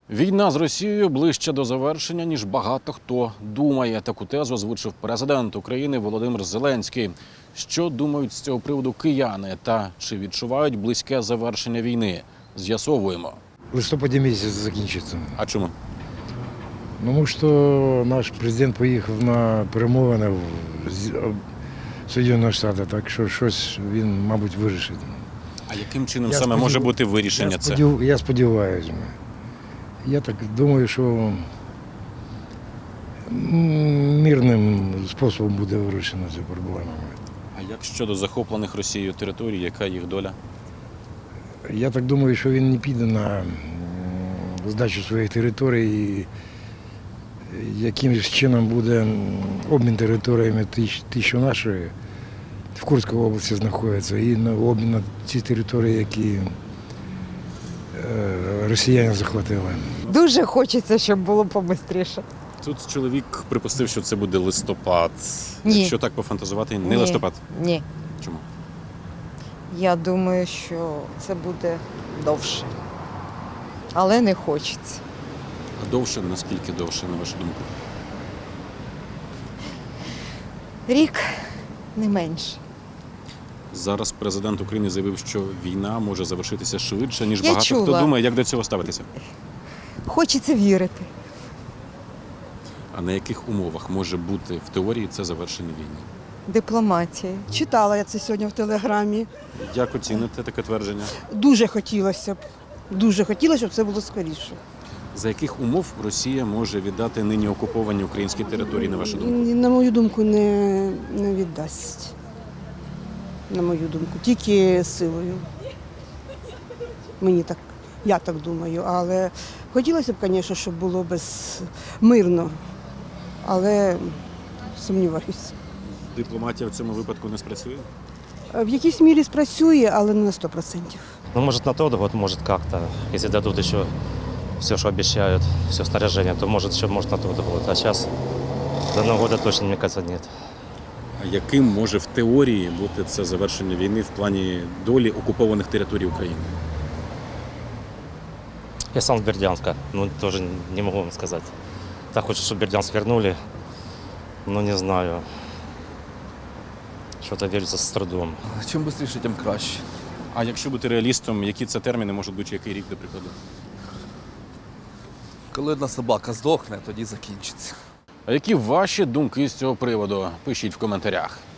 Війна з Росією ближче до завершення, ніж багато хто думає. Таку тезу озвучив президент України Володимир Зеленський. Що думають з цього приводу кияни та чи відчувають близьке завершення війни? З'ясовуємо. В листопаді місяць закінчиться. А чому? Тому що наш президент поїхав на перемовини в Сполучені Штати, так що щось він, мабуть, вирішить. А яким чином саме може бути вирішення це? Я сподіваюся. Я так думаю, що мирним способом буде вирішена ця проблема. А як щодо захоплених Росією територій, яка їх доля? Я так думаю, що він не піде на здачу своїх територій, і якимось чином буде обмін територіями, ті, що наші в Курській області знаходяться, і на обмін на ці території, які росіяни захватили. Дуже хочеться, щоб було побистріше. Тут чоловік припустив, що це буде листопад. Ні. Якщо так пофантазувати, не листопад. Ні. Чому? Я думаю, що це буде довше. Але не хочеться. А довше, наскільки довше, на вашу думку? Рік не менше. Зараз президент України заявив, що війна може завершитися швидше, ніж Я багато чула. хто думає. Як до цього ставитися? Хочеться вірити. А на яких умовах може бути в теорії це завершення війни? Дипломатія. Читала я це сьогодні в телеграмі. Як оціните таке твердження? Дуже хотілося б. Дуже хотілося, щоб це було скоріше. За яких умов Росія може віддати нині окуповані українські території, на вашу думку? На мою думку, не віддасть. На мою думку, тільки силою. Мені так, я так думаю. Але хотілося б, звісно, щоб було мирно. Але сумніваюся. Дипломатія в цьому випадку не спрацює? В якійсь мірі спрацює, але не на 100%. Ну, может, на тот год, может, как-то. Если дадут еще все, что обещают, все снаряжение, то, может, еще может на тот год. А сейчас до Нового года точно, мне кажется, нет. А яким може в теорії бути це завершення війни в плані долі окупованих територій України? Я сам с Бердянска, ну, тоже не могу вам сказать. Так хочется, чтобы Бердянск вернули, но не знаю. Что-то верится с трудом. Чим швидше, тим краще. А якщо бути реалістом, які це терміни можуть бути, який рік, до прикладу? Коли одна собака здохне, тоді закінчиться. А які ваші думки з цього приводу? Пишіть в коментарях.